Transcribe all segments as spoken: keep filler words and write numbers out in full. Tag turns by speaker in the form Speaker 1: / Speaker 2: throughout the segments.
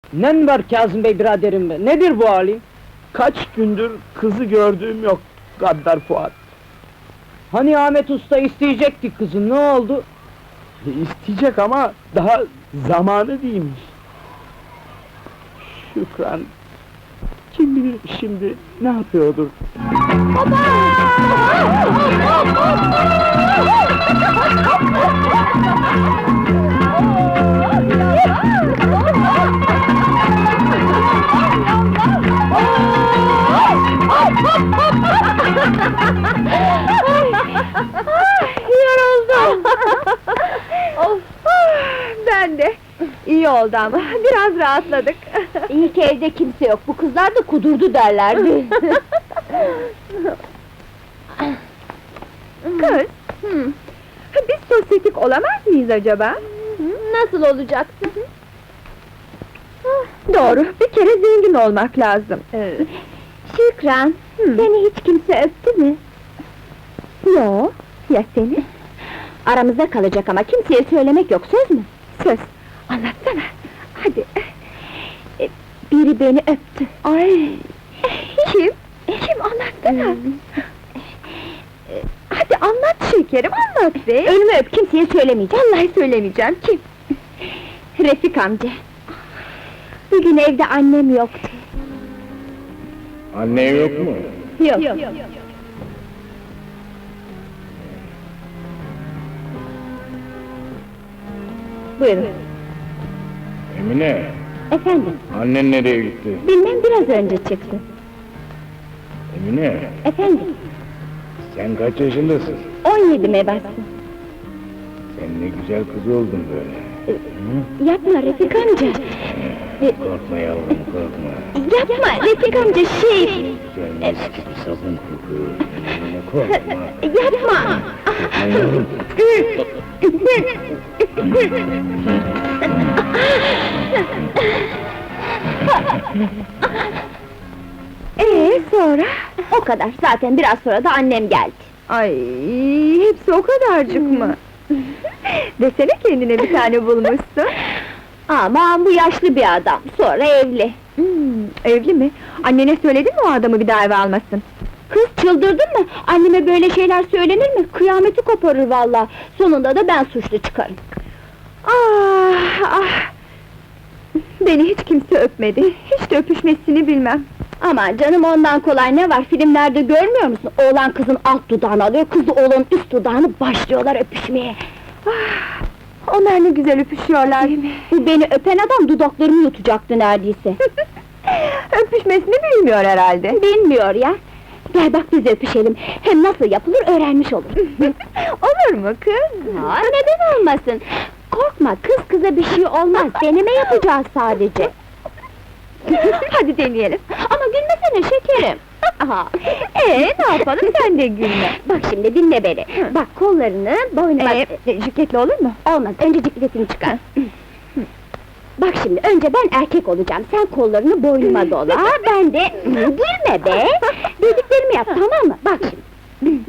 Speaker 1: Nen var Kazım Bey biraderim be, nedir bu hali?
Speaker 2: Kaç gündür kızı gördüğüm yok, Gaddar Fuat.
Speaker 1: Hani Ahmet Usta isteyecekti kızı, ne oldu?
Speaker 2: İsteyecek ama daha zamanı değilmiş. Şükran... Kim bilir şimdi ne yapıyordur?
Speaker 3: Yoruldum! Of! Ben de! İyi oldu ama, biraz rahatladık! İyi ki evde kimse yok, bu kızlar da kudurdu derlerdi! Kız! Hı. Biz sosyetik olamaz mıyız acaba? Nasıl olacaksın? Doğru, bir kere zengin olmak lazım! Şükran, seni hiç kimse öptü mü? Yo, ya seni? Aramızda kalacak ama kimseye söylemek yok, söz mü? Söz, anlatsana, hadi! E, biri beni öptü. Ay! Kim? Kim, anlatsana! E, hadi anlat şekerim, anlat be! Önümü öp, kimseye söylemeyeceğim! Vallahi söylemeyeceğim, kim? Refik amca! Bugün evde annem yoktu.
Speaker 4: Anne yok mu?
Speaker 3: Yok. yok. Buyurun.
Speaker 4: Emine,
Speaker 3: Efendim,
Speaker 4: annen nereye gitti?
Speaker 3: bilmem biraz önce çıktı.
Speaker 4: Emine,
Speaker 3: Efendim,
Speaker 4: sen kaç yaşındasın?
Speaker 3: on yedime bastım.
Speaker 4: Sen ne güzel kız oldun böyle.
Speaker 3: Yapma Refik amca!
Speaker 4: Korkma yavrum, korkma.
Speaker 3: Yapma Refik amca, şey!
Speaker 4: Güzel mis gibi sabun kokuyor. Emine, korkma.
Speaker 3: Yapma!
Speaker 4: Korkma yavrum.
Speaker 3: Ee sonra? O kadar, zaten biraz sonra da annem geldi. Ay, hepsi o kadarcık mı? Desene kendine bir tane bulmuşsun. Aman bu yaşlı bir adam, sonra evli. Hmm, evli mi? Annene söyledin mi o adamı bir daha eve almasın? Kız çıldırdın mı? Anneme böyle şeyler söylenir mi? Kıyameti koparır vallahi. Sonunda da ben suçlu çıkarım. Ah ah! Beni hiç kimse öpmedi, hiç de öpüşmesini bilmem. Aman canım, ondan kolay ne var, filmlerde görmüyor musun? Oğlan kızın alt dudağını alıyor, kız da oğlanın üst dudağını, başlıyorlar öpüşmeye. Ah, onlar ne güzel öpüşüyorlar değil mi? Bu beni öpen adam dudaklarımı yutacaktı neredeyse. Öpüşmesini bilmiyor herhalde. Bilmiyor ya! Gel bak biz öpüşelim, hem nasıl yapılır öğrenmiş olur. Olur mu kız? Aa, neden olmasın? Korkma, kız kıza bir şey olmaz, deneme yapacağız sadece. Hadi deneyelim. Ama gülmesene şekerim. Aha. Ee, ne yapalım, sen de gülme. Bak şimdi dinle beni. Bak kollarını boynuma... Ee, cikletli olur mu? Olmaz, önce cikletini çıkar. Bak şimdi, önce ben erkek olacağım, sen kollarını boynuma dola, ben de... Gülme be! Dediklerimi yap, tamam mı? Bak şimdi.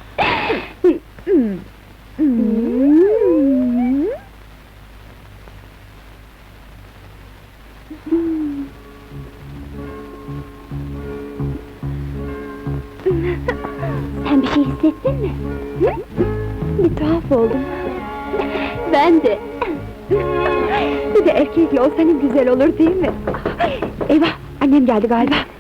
Speaker 3: Sen bir şey hissettin mi? Hı? Bir tuhaf oldum. Ben de. Bir de erkekle olsa ne güzel olur değil mi? Eyvah, annem geldi galiba.